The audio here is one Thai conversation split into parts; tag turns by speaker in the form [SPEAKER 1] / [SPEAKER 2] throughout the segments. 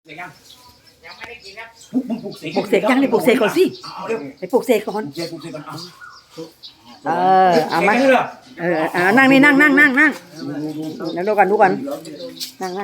[SPEAKER 1] เสกยังยังไม่ได้กินครับมึงปลุกเสก
[SPEAKER 2] ปลุกเสกยังนี่ปลุกเสกก่อนสิไปปลุกเสกก่อน
[SPEAKER 1] ปลุกเสกก่อน
[SPEAKER 2] เอามานั่งนี่นั่งแล้วดูกันนั่ง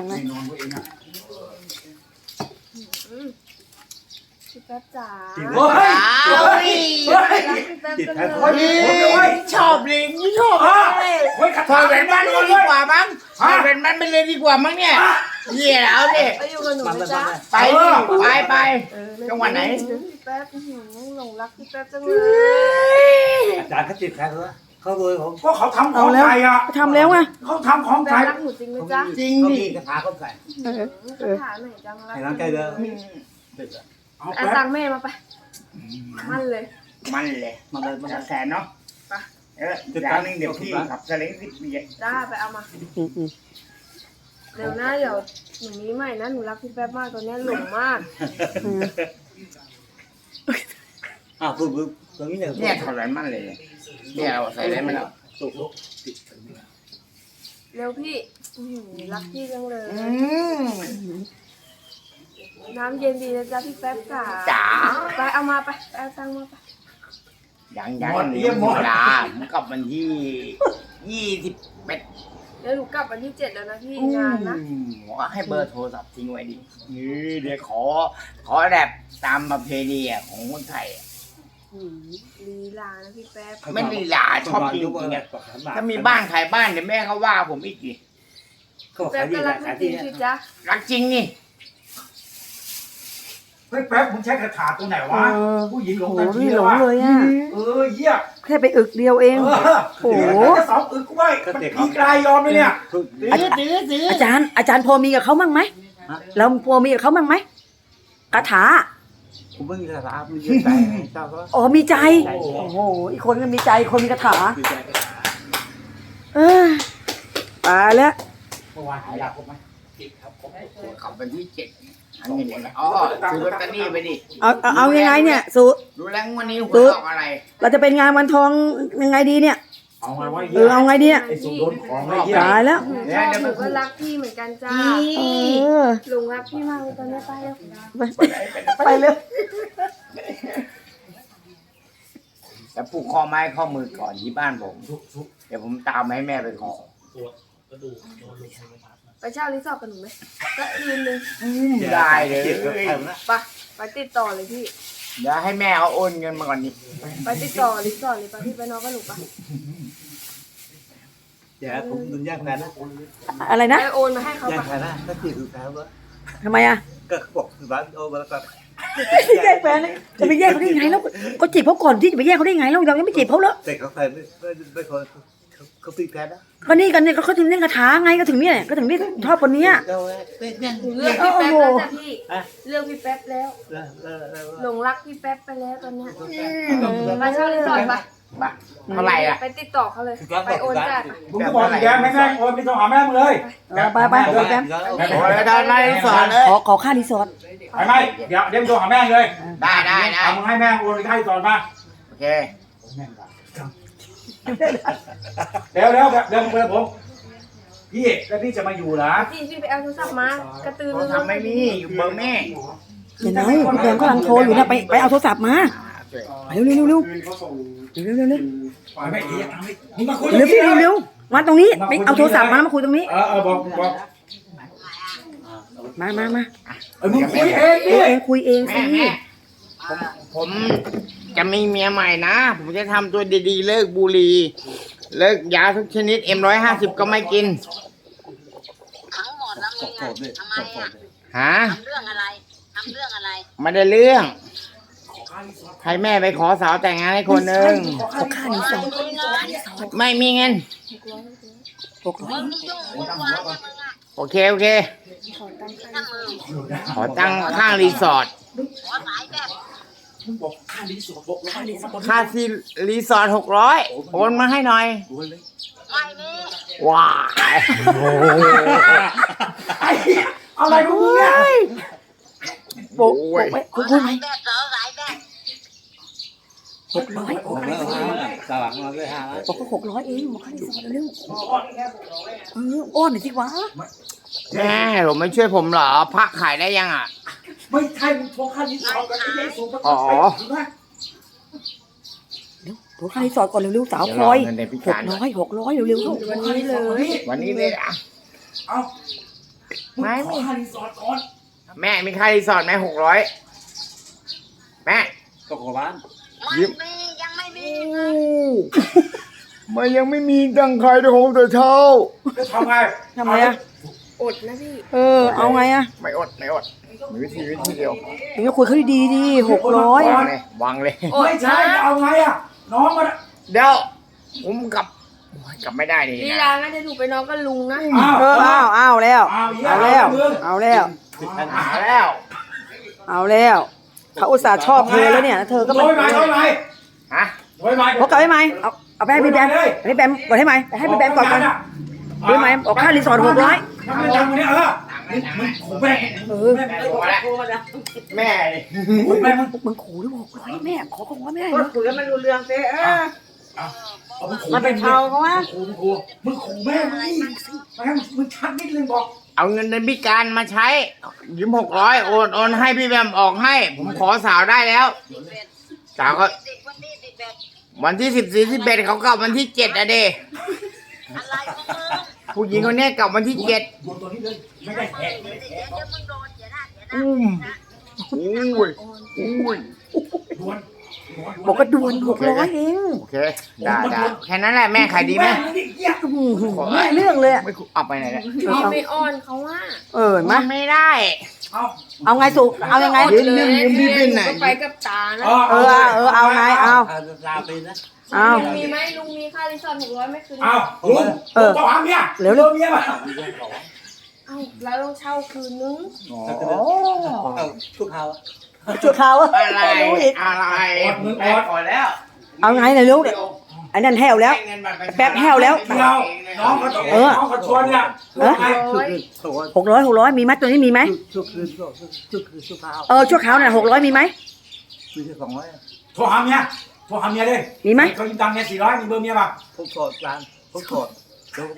[SPEAKER 3] พี่แป๊บจ๋า
[SPEAKER 1] โอ้ย
[SPEAKER 3] พี่แป๊บจังเลย
[SPEAKER 1] ชอบลิงชอบถอดแหวนมันเลยดีกว่ามั้งถอดแหวนมันไปเลยดีกว่ามั้งเนี่ยเหี้ยแล้วเนี่ย
[SPEAKER 3] ไปอยู่กับหนูนะจ๊ะ
[SPEAKER 1] ไปจังหวัดไหน
[SPEAKER 3] พี่แป๊บหลงรักพี่แป๊บจังเลย
[SPEAKER 4] อาจารย์เขาติดแพ้เขารวยผม
[SPEAKER 1] ก็เขาทำของไทยอ่ะ
[SPEAKER 2] ทำแล้วไง
[SPEAKER 1] เขาทำของไท
[SPEAKER 3] แป๊บ
[SPEAKER 1] ย
[SPEAKER 3] รักหนูจริงไหมจ๊ะ
[SPEAKER 1] จริง
[SPEAKER 4] เขา
[SPEAKER 1] ดิ
[SPEAKER 4] มีกระถาเขาใส่
[SPEAKER 3] คาถาไหนจังรัก
[SPEAKER 4] ให้น้ำใจเด้อ
[SPEAKER 3] เอาตังค์แม่มาไปมั่นเลย
[SPEAKER 1] มันเลยมันแสนเนาะอย่างนึงเดี๋ยวพี่ขับสลิง10 ปี
[SPEAKER 3] จ้าไปเอามาเดี๋ยวนะเดี๋ยวหนูมีใหม่นะหนูรักพี่แป๊บมากตอนนี้หลงมาก
[SPEAKER 4] พูดตรงนี้เนี่ย
[SPEAKER 1] เนี่ยถอดแหวนมันเลยเนี่ยเราใส่ได้ไหมล่ะ
[SPEAKER 3] เร็วพี่รักพี่จังเลยน้ำเย็นดีนะจ๊ะพี่แป๊บจ๋าไปเอามาไปเอาตังค์มาไป
[SPEAKER 1] ยังหมดลาผมกลับวันที่21
[SPEAKER 3] เดี๋ยวหนูกลับวันที่7แล้วนะพี่งานนะ
[SPEAKER 1] ให้เบอร์โทรศัพท์ทิ้งไว้ดิเดี๋ยวขอแบบตามประเพณีของคนไทย
[SPEAKER 3] ลีลานะพี่แป๊บ
[SPEAKER 1] ไม่ลีลาชอบจริงๆอ่ะถ้ามีบ้านขายบ้านเดี๋ยวแม่เขาว่าผมอีกที
[SPEAKER 4] เขา
[SPEAKER 3] แป๊
[SPEAKER 4] ขาย
[SPEAKER 3] บ
[SPEAKER 4] ดี
[SPEAKER 3] ก็
[SPEAKER 4] ห
[SPEAKER 3] รั
[SPEAKER 4] ลาก ย
[SPEAKER 3] จริง
[SPEAKER 4] ที่
[SPEAKER 3] ๆสิจ๊ะ
[SPEAKER 1] รักจริงนี่
[SPEAKER 5] เฮ้ยแป๊บมึงใช้คาถาตัวไหนวะผู้หญิงหลง
[SPEAKER 2] โอ้
[SPEAKER 5] ทันที
[SPEAKER 2] นี่หล
[SPEAKER 5] วะ
[SPEAKER 2] งเลยอ่ะ
[SPEAKER 5] เหี้ย
[SPEAKER 2] แค่ไปอึกเดียวเอง โอ้โห
[SPEAKER 5] จะสองอึกกูไว้มันพีกลายยอมเลยเนี่ย
[SPEAKER 1] ซื้อ
[SPEAKER 2] อาจารย์พอมีกับเขามั่งไหมเราพอมีกับเขามั่งไหมคาถา
[SPEAKER 4] ผมไม่มีกระถาไม่มีใจเจ้าก็
[SPEAKER 2] อ๋อมีใจโอ้โหอีกคนก็มีใจคนมีคาถาตายแล้ว
[SPEAKER 5] เมื่อวานหายาครบไหม
[SPEAKER 1] กลับวันที่7อันนี้อ๋อซื้อลอตเตอรี่ไปดิ
[SPEAKER 2] เอายังไงเนี่ยสู
[SPEAKER 1] ดูแล้ววันนี้หวยออกอะไร
[SPEAKER 2] เราจะเป็นงานวันทองยังไงดีเนี่ย
[SPEAKER 5] เอาไงวะเหี้ย
[SPEAKER 2] เอาไงดีเนี่ย
[SPEAKER 5] ไอ้สุดโดนของไอ้เหี้ย
[SPEAKER 2] ตายแล้ว
[SPEAKER 3] หนูก็รักพี่เหมือนกันจ้าหลงรักพี่มากเลยตอนนี้ไปแล้ว
[SPEAKER 2] ไปเลย
[SPEAKER 1] แต่ผูกข้อไม้ข้อมือก่อนที่บ้านผมเดี๋ยวผมตามให้แม่ไปขอ
[SPEAKER 3] ไปเช่ารีสอร์ทกับหนูไหมก็คืนนึง
[SPEAKER 1] ได้เลย
[SPEAKER 3] ไปติดต่อเลยพี่
[SPEAKER 1] เดี๋ยวให้แม่เอาโอนเงินมาก่อนดิ
[SPEAKER 3] ไปติดต่อรีสอร์ทเลยไปพี่ไปนอนกับหนูปะ
[SPEAKER 4] เดี๋ยวผมดุนยากแฟนนะ
[SPEAKER 2] อะไรนะ
[SPEAKER 3] ไปโอนมาให้เขา
[SPEAKER 4] ยาก
[SPEAKER 3] ปะ
[SPEAKER 4] แฟนนะถ้าติดคือแฟนวะ
[SPEAKER 2] ทำไมอ่ะ
[SPEAKER 4] ก็บอกคือบ้านโอ้มาแล้วก็
[SPEAKER 2] แยกแฟนจะไปแยกเขาได้ไงแล้วก็จีบเขาก่อนที่จะไปแยกเขาได้ไงแล้วเรายังไม่จีบเขาเลย
[SPEAKER 4] แต่เขาใส่ไม่คนเขาตีแพ้นะ
[SPEAKER 2] ก็นี่กันเนี่ยเขาถึงเล่นคาถาไงก็ถึงเนี่ยก็ถึงนี่ชอบคนนี้
[SPEAKER 3] หนูเลือกพี่แป๊บแล้วจ้ะพี่เลือกพี่แป๊บแล้วหลงรักพี่แป๊บไปแล้วตอนเนี้ยไปเช่ารีสอร์ทปะ
[SPEAKER 1] เท่าไหร่อ่ะ
[SPEAKER 3] ไปติดต่อเขาเลยไปโอนจ่าย
[SPEAKER 5] มึงก็บอกอีกแกไม่แม่งโอนไม่ต้องหาแม่มึงเลย
[SPEAKER 2] ไปเดี๋ยวแป๊บ
[SPEAKER 1] โอ้ยได้สอนเลย
[SPEAKER 2] ขอค่ารีสอร์ท
[SPEAKER 5] ไปไหมเดี๋ยวมึงโทรหาแม่เลย
[SPEAKER 1] ได้
[SPEAKER 5] เอามึงให้แม่โอนไปให้ก่อนมา
[SPEAKER 1] โอเค
[SPEAKER 5] เดี๋ยวมึงไปผมพี่แล้วพี่จะมาอยู่เหรอ
[SPEAKER 3] พี่ไปเอาโทรศัพท์มากระตือ
[SPEAKER 1] เขา
[SPEAKER 3] รือร้น
[SPEAKER 1] ทำไม่มีอยู่เบอร์แม่
[SPEAKER 2] เดี๋ยวนะพี่แดงกำลังโทรอยู่นะไปเอาโทรศัพท์มาเร็ว
[SPEAKER 5] ไปไม่ดีมึงมาคุย
[SPEAKER 2] พี่เร็วมาตรงนี้ไปเอาโทรศัพท์มาแล้วมาคุยตรงนี้
[SPEAKER 5] บอก
[SPEAKER 2] มา
[SPEAKER 5] มึงคุยเอง
[SPEAKER 2] คุยเองสิ
[SPEAKER 1] แม่ผมจะมีเมียใหม่นะ ผมจะทำตัวดีๆเลิกบุหรี่เลิกยาทุกชนิด M150 ก็ไม่กิน
[SPEAKER 6] ทั้งหมดแล้วไงอ่ะทำไมอ่ะ
[SPEAKER 1] ฮะ
[SPEAKER 6] ทำเรื่องอะไรทำเรื่องอะไร
[SPEAKER 1] ไม่ได้เรื่องให้แม่ไปขอสาวแต่งงานให้คนหนึ่ง
[SPEAKER 2] ขอค่ารีสอร์ท
[SPEAKER 1] ไม่มีเงิน
[SPEAKER 6] มึงนี่ยุ่งวุ่นวายเนี่ยมึงอ่ะ
[SPEAKER 1] โอเค
[SPEAKER 6] ถ้ามึง
[SPEAKER 1] ขอตั้งข้างรีสอร์ท
[SPEAKER 6] ขอสายแบบ
[SPEAKER 1] ค่ารีสอร์ท600โอนมาให้หน่อย
[SPEAKER 6] ไม่มี
[SPEAKER 1] ว้าย
[SPEAKER 5] อะไรของมึงเนี่ย
[SPEAKER 2] โบกไปคุย
[SPEAKER 6] สายแบบเหรอสายแบบ
[SPEAKER 4] สว่างมาด้วย500
[SPEAKER 2] บอกก็600เองบอกค่ารีสอร์ทเร็วอ้อนหน่อยสิวะ
[SPEAKER 1] แม่ผมไม่ช่วยผมเหรอพระขายได้ยังอ่ะ
[SPEAKER 5] ไม่ใช่มึงทวงค่ารีสอร์ทกันไอ้ยัยสูง
[SPEAKER 1] อ๋อ
[SPEAKER 5] ถูกไหม
[SPEAKER 2] โทรค่ารีสอร์ทก่อนเร็วๆสาวคอย
[SPEAKER 1] เดี๋ยวรอเงินในพิ
[SPEAKER 2] ห
[SPEAKER 1] กาก ร
[SPEAKER 2] ร้อยเร็วๆเข้า
[SPEAKER 3] วันนี้เลย
[SPEAKER 1] วันนี้เลยอ่ะ
[SPEAKER 5] เอามึง
[SPEAKER 1] ไม่
[SPEAKER 5] ขอค่ารีสอร์ทก่อน
[SPEAKER 1] แม่มีค่ารีสอร์ทไหม600แม่
[SPEAKER 4] ก็ขอบ้าน
[SPEAKER 1] ยืม
[SPEAKER 6] มียังไม่มี
[SPEAKER 1] มันยังไม่มีตังค์ใครเลยของแต่เช้า
[SPEAKER 5] จะทำไง
[SPEAKER 2] ทำไงอะ
[SPEAKER 3] อดนะพี่
[SPEAKER 2] เอาไงอะ
[SPEAKER 1] ไม่อดมีวิธีเดียว
[SPEAKER 2] ถึงจะคุยเขาดีๆดิ600
[SPEAKER 1] วางเลย
[SPEAKER 3] อด
[SPEAKER 5] ไม่ใช่
[SPEAKER 3] นะ
[SPEAKER 5] เอาไงอ่ะน้องมัน
[SPEAKER 1] เดี๋ยวผมกลับไม่ได้นี่
[SPEAKER 3] ลี
[SPEAKER 1] นะ
[SPEAKER 3] ลางั้นจะถูกไปน้องก็ลุงนะ
[SPEAKER 2] เอาแล้ว เอาแล้ว เอาแล้ว
[SPEAKER 1] หาแล้ว
[SPEAKER 2] เอาแล้วเขาอุตส่าห์ชอบเธอแล้วเนี่ยเธอก็
[SPEAKER 5] โดยไหมโดยไหม
[SPEAKER 1] ฮะ
[SPEAKER 5] โดยไหม
[SPEAKER 2] พกกลับให้ไหมเอาไปให้พี่แบมให้พี่แบมก่อนให้ไหมให้พี่แบมก่อนด้วยไหมออกค่ารีสอร์ท600
[SPEAKER 5] ทำไมจังวันนี้มึงขู่แม่
[SPEAKER 1] แม่ดิ
[SPEAKER 5] ขู่แม่มึง
[SPEAKER 2] มึงขู่ด้วย600แม่ขอไม่ได้
[SPEAKER 7] ก็
[SPEAKER 2] เนาะ
[SPEAKER 7] คุยกันไม่รู้เรื่องเต้
[SPEAKER 5] มึงขู่
[SPEAKER 7] มันเป็นชาวเขาวะ
[SPEAKER 5] มึงขู่แม่มึงแม่มึงชักนิดนึงบอก
[SPEAKER 1] เอาเงินในพิการมาใช้ยืม600โอนให้พี่แบมออกให้ ผมขอสาวได้แล้ว สาวก็
[SPEAKER 6] สิบวันที่11
[SPEAKER 1] วันที่14 11เขากลับวันที่7อะเด
[SPEAKER 6] อะไรของมึง
[SPEAKER 1] ผู้หญิงคนนี้กลับวันที่7
[SPEAKER 5] โดนตัวนี้เลยไม่ได้แหก
[SPEAKER 6] เดี๋ยวมึงโดนเดี๋ยวนะเดี๋ยวนะ
[SPEAKER 1] อุ้ย
[SPEAKER 5] ดวน
[SPEAKER 2] บอกก็ด่วน600เอง
[SPEAKER 1] โอเคได้แค่นั้นแหละแม่ขายดีไหม
[SPEAKER 2] ไม่เรื่องเลย
[SPEAKER 1] ไม่เอาไปไหนเนี่ย
[SPEAKER 3] พี่ไม่อ้อนเขาว่า
[SPEAKER 2] มา
[SPEAKER 1] ไม่ได้
[SPEAKER 2] เอาไงสุเอายังไง
[SPEAKER 1] ยืมพี่เป็นไหน
[SPEAKER 3] ก็ไปกับตานะ
[SPEAKER 2] เอาไงเอา
[SPEAKER 4] ลาไปนะ
[SPEAKER 2] เอา
[SPEAKER 3] ลุงมีไหมลุงมีค่ารีสอร์ท600ไม่คืน
[SPEAKER 5] เอาลุงต่อหางเนี่ยเร็วเมียมา
[SPEAKER 3] เอ้าเราต้องเช่าคืนนึง
[SPEAKER 4] ทุกเขา
[SPEAKER 2] จุดเขา
[SPEAKER 1] อะไร
[SPEAKER 2] รู้อีก
[SPEAKER 1] อะไรแม่ก่อนแล้ว
[SPEAKER 2] เอาไงเลยลูกไอ้นั่นแห้วแล้ว แป๊บแห้วแล้ว
[SPEAKER 5] เดียวน้องเขาต้องน้องเขาชวนเนี่ย
[SPEAKER 2] 600มีไหมตัวนี้มีไหม
[SPEAKER 4] ทุกคืนทุกเขา
[SPEAKER 2] ชั่วคราวน่ะ600มีไหม
[SPEAKER 4] มีแค่200
[SPEAKER 5] โทรหาเมียโทรหาเมียเลย
[SPEAKER 2] มีไหม
[SPEAKER 5] เขายืมตังค์เนี่ย400มีเบอร์เมียป่ะ
[SPEAKER 4] ผมกดร้านผมกดเดี๋ยว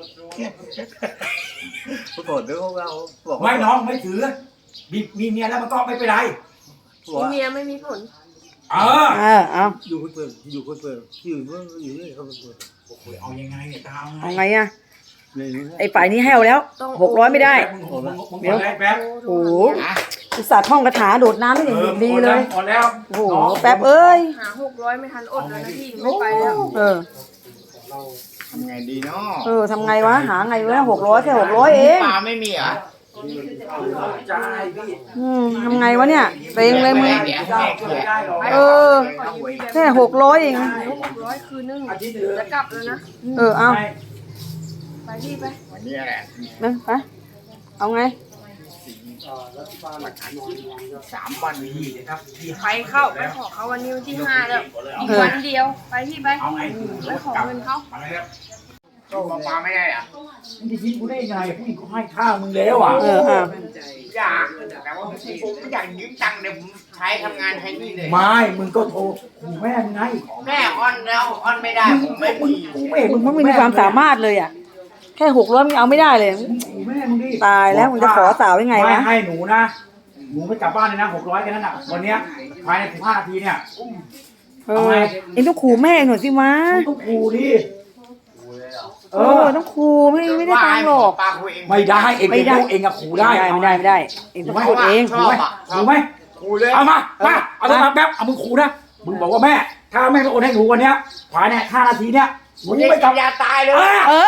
[SPEAKER 4] ผมกดเดี๋ยวเราบอก
[SPEAKER 5] ไม่น้องไม่ถือมีเมียแล้วมันก็ไม่เป็นไร
[SPEAKER 3] มีเมียไม่มีผล
[SPEAKER 2] เอา
[SPEAKER 4] อยู่คนเปิดอยู่คนเปิดอยู่นี่เขาเปิด
[SPEAKER 5] เอายังไงเนี่ยตา
[SPEAKER 2] เอาไงอะไอ้ฝ่ายนี้แห้วแล้ว600ไม่ได้
[SPEAKER 5] เดี๋ยวแป๊บ
[SPEAKER 2] โอ้โหอุตส่าห์ท่องคาถาโดดน้ำไม่เห็นดีเลย
[SPEAKER 5] หมดแล้ว
[SPEAKER 2] โอ้โหแป๊บเอ้ย
[SPEAKER 3] หา600ไม่ทันอดแล้วนะพี่ไม่ไปแล้ว
[SPEAKER 1] ทำไงดีเนาะ
[SPEAKER 2] ทำไงวะหาไงวะ600แค่600เอง
[SPEAKER 1] ปลาไม่มีเหรอ
[SPEAKER 2] ทำไงวะเนี่ยเต็งเลยมึง แค่600เอง
[SPEAKER 3] หา600คืนนึงจะกลับแล้วนะ
[SPEAKER 2] เอา
[SPEAKER 3] ไปพี่ไป
[SPEAKER 1] วันนี้แหละ
[SPEAKER 2] ไปเอาไง
[SPEAKER 1] 3 วันนี้
[SPEAKER 3] ไปเข้าไปขอเขาวันนี้วันที่5แล้วอีกวันเดียวไปพี่ไป
[SPEAKER 5] เอาไง
[SPEAKER 3] ไปขอเงินเขา
[SPEAKER 1] ปลาไม่ได้อ่ะ
[SPEAKER 5] มึงจะทิ้งกูได้ยังไงผู้หญิงเขาให้ข้าวมึงแล้วอ่ะ
[SPEAKER 1] อยากแต่ว่าผมอยากยืมตังค์เดี๋ยวผมใช้ทำงานใช้นี่เลย
[SPEAKER 5] ไม่มึงก็โทรขู่แม่มึงไง
[SPEAKER 1] แม่อ้อนแล้วอ้อนไม่ได้ผมไม่มี
[SPEAKER 5] กูแม่
[SPEAKER 2] มึงไม่มีความสามารถเลยอ่ะแค่600มึงเอาไม่ได้เลย
[SPEAKER 5] ขู่แม่มึงดิ
[SPEAKER 2] ตายแล้วมึงจะขอสาวยังไง
[SPEAKER 5] ไม่
[SPEAKER 2] วะ
[SPEAKER 5] ให้หนูนะหนูไม่กลับบ้านเลยนะ600แค่นั้นอ่ะวันเนี้ยภายใน15 นาทีเนี่ย
[SPEAKER 2] เอ็งต้องขู่แม่หน่อยสิวะ
[SPEAKER 5] มึงต้องขู่ดิ
[SPEAKER 2] ต้องขู่ไม่ได้ตังค์หรอก
[SPEAKER 1] ปลาคุยเอง
[SPEAKER 5] ไม่ได้เองเป็นลูกเองอะขู่ได้
[SPEAKER 2] ไม่ได้เอ็งต้องพูดเอง
[SPEAKER 5] ขู่ไหมขู่ไหม
[SPEAKER 1] คุยเลย
[SPEAKER 5] เอามาเอาโทรศัพท์แป๊บเอามึงขู่นะมึงบอกว่าแม่ถ้าแม่ไม่โอนให้หนูวันเนี้ยภายใน5 นาทีเนี่ยหนูไม่กลับ
[SPEAKER 1] ยาตายเลย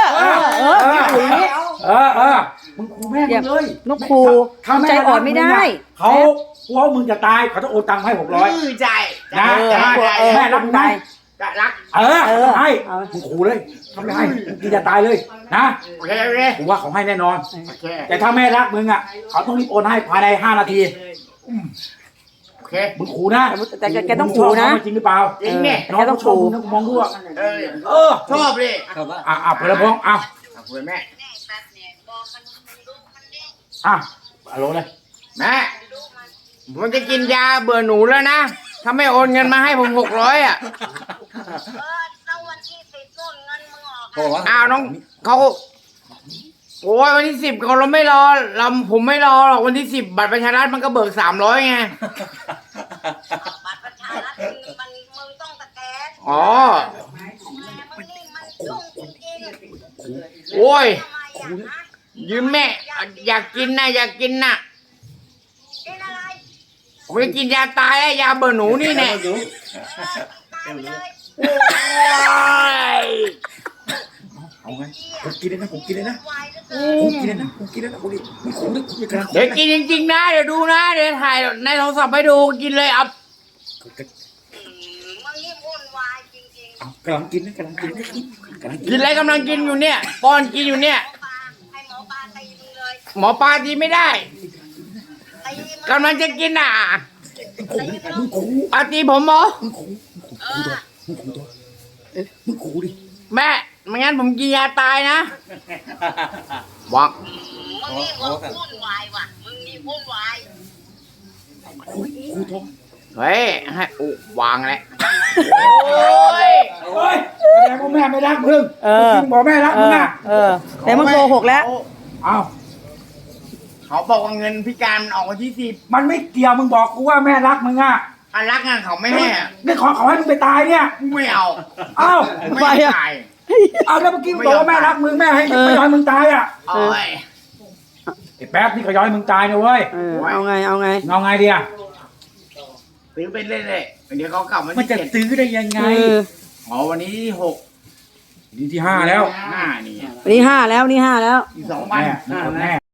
[SPEAKER 5] มึงขู่แม่มึงเลย
[SPEAKER 2] นกขู่ใจอ่อนไม่ได้
[SPEAKER 5] เขากลัวมึงจะตายเขาจะโอนตังค์ให้600
[SPEAKER 1] ใจ
[SPEAKER 5] นะแม่รักได้
[SPEAKER 1] รัก
[SPEAKER 5] ให้มึงขู่เลยทำไม่ให้มึงจะตายเลยนะ
[SPEAKER 1] โอเคโอเค
[SPEAKER 5] กูว่าเขาให้แน่นอน
[SPEAKER 1] โอเค
[SPEAKER 5] แต่ถ้าแม่รักมึงอ่ะเขาต้องรีบโอนให้ภายใน5 นาที
[SPEAKER 1] โอเค
[SPEAKER 5] มึงขู่นะ
[SPEAKER 2] แต่แกต้องขู่นะ
[SPEAKER 5] จริงหรือเปล่า
[SPEAKER 1] จริงเนี่ย
[SPEAKER 5] น้องต้องขู่มองดูอ่ะ
[SPEAKER 1] ชอบเลย
[SPEAKER 4] ครับว่า
[SPEAKER 5] เพื่อนพ้อง
[SPEAKER 1] คุยแม่
[SPEAKER 6] แน่แป๊บเนี่ยบอกมันมึงดูมันดิ
[SPEAKER 5] ฮัลโหลเลย
[SPEAKER 1] แม่ผมจะกินยาเบื่อหนูแล้วนะถ้าไม่โอนเงินมาให้ผม600อ่ะ
[SPEAKER 6] แล้ววันที่10นู่นเงินมึงออก
[SPEAKER 4] เพราะว่า
[SPEAKER 1] อ้าวน้องเขาโอ้ยวันที่10เราไม่รอผมไม่รอหรอกวันที่10บัตรประชารัฐมันก็เบิก300ไง
[SPEAKER 6] บัตรประชารัฐมันมึงต้องสแกน
[SPEAKER 1] อ๋อ
[SPEAKER 6] มึงนี่มันยุ่งจริง
[SPEAKER 1] โอ้ย
[SPEAKER 6] ทำไมอ่ะฮะ
[SPEAKER 1] ยืมแม่อยากกินนะอยากกินนะ
[SPEAKER 6] กินอะไร
[SPEAKER 1] ผมจะกินยาตายแล้วยาเบื่อหนูนี่แน่
[SPEAKER 6] ตายไปเลย
[SPEAKER 1] โอ้ย
[SPEAKER 5] เอาไงผมกินเลยนะผมกินเลยนะ
[SPEAKER 6] วายเหลือเกิน
[SPEAKER 5] ผมกินเลยนะผมกินเลยนะผมดิมึงขู่นะมึงกำลัง
[SPEAKER 1] เดี๋ยวกินจริงๆนะเดี๋ยวดูนะเดี๋ยวถ่ายในโทรศัพท์ให้ดูกินเลยเอา
[SPEAKER 6] มึงนี่วุ่นวายจริงๆ
[SPEAKER 5] เอากำลังกินนะกำลังกินนะกำลังกิ
[SPEAKER 1] กินอะไรกำลังกินอยู่เนี่ยป้อนกินอยู่เนี่ย
[SPEAKER 6] ให้หมอปลาตีมึงเลย
[SPEAKER 1] หมอปลาดีไม่ได้
[SPEAKER 6] ตีมึง
[SPEAKER 1] กำลังจะกินอ่ะ
[SPEAKER 5] มึงขู่
[SPEAKER 1] อาตีผมเหรอ
[SPEAKER 5] มึงขู่มึงขู่ตัวมึงขู่ดิ
[SPEAKER 1] แม่ไม่งั้นผมกินยาตายนะบอก
[SPEAKER 6] มึงนี่วุ่นวายว่ะมึงนี่วุ่นวาย
[SPEAKER 5] ขู่ตัว
[SPEAKER 1] เฮ้ยให้วางแล้วโอ้ย
[SPEAKER 5] โอ้ยแสดงว่าแม่ไม่รักมึง
[SPEAKER 2] เออ
[SPEAKER 5] มึงบอกแม่รักมึงอ่ะ
[SPEAKER 2] แต่มันโกหกแล้ว
[SPEAKER 5] เอา
[SPEAKER 1] เขาบอกว่าเงินพิการมันออกวันที่10
[SPEAKER 5] มันไม่เกี่ยวมึงบอกกูว่าแม่รักมึงอ่ะ
[SPEAKER 1] อันรักงานเขาไม่ให้อะ
[SPEAKER 5] นี่ขอให้มึงไปตายเนี่ย
[SPEAKER 1] ไม่เอา
[SPEAKER 5] เอ้า
[SPEAKER 1] ไม่จ่าย
[SPEAKER 5] เอาแล้วเมื่อกี้มึงบอกว่าแม่รักมึงแม่ให้ไม่ยอมให้มึงตายอ่ะ
[SPEAKER 1] โอ้ย
[SPEAKER 5] ไอ้แป๊บนี่ก็ย้อยมึงตายนะเว้ย
[SPEAKER 2] เอาไงเอาไง
[SPEAKER 5] เอาไงดีอ่ะ
[SPEAKER 1] ซื้อไปเรื่อยๆเดี๋ยวเขากลับวัน
[SPEAKER 5] มัน
[SPEAKER 1] ที่
[SPEAKER 5] จะ
[SPEAKER 1] 7
[SPEAKER 5] ซื้อได้ยังไง
[SPEAKER 1] อ๋อวันนี้ที่6
[SPEAKER 5] นี่ที่5แล้ว
[SPEAKER 1] 5นี่
[SPEAKER 2] นี่5แล้วนี่5แล้ว
[SPEAKER 1] อีก2 วัน
[SPEAKER 5] แม่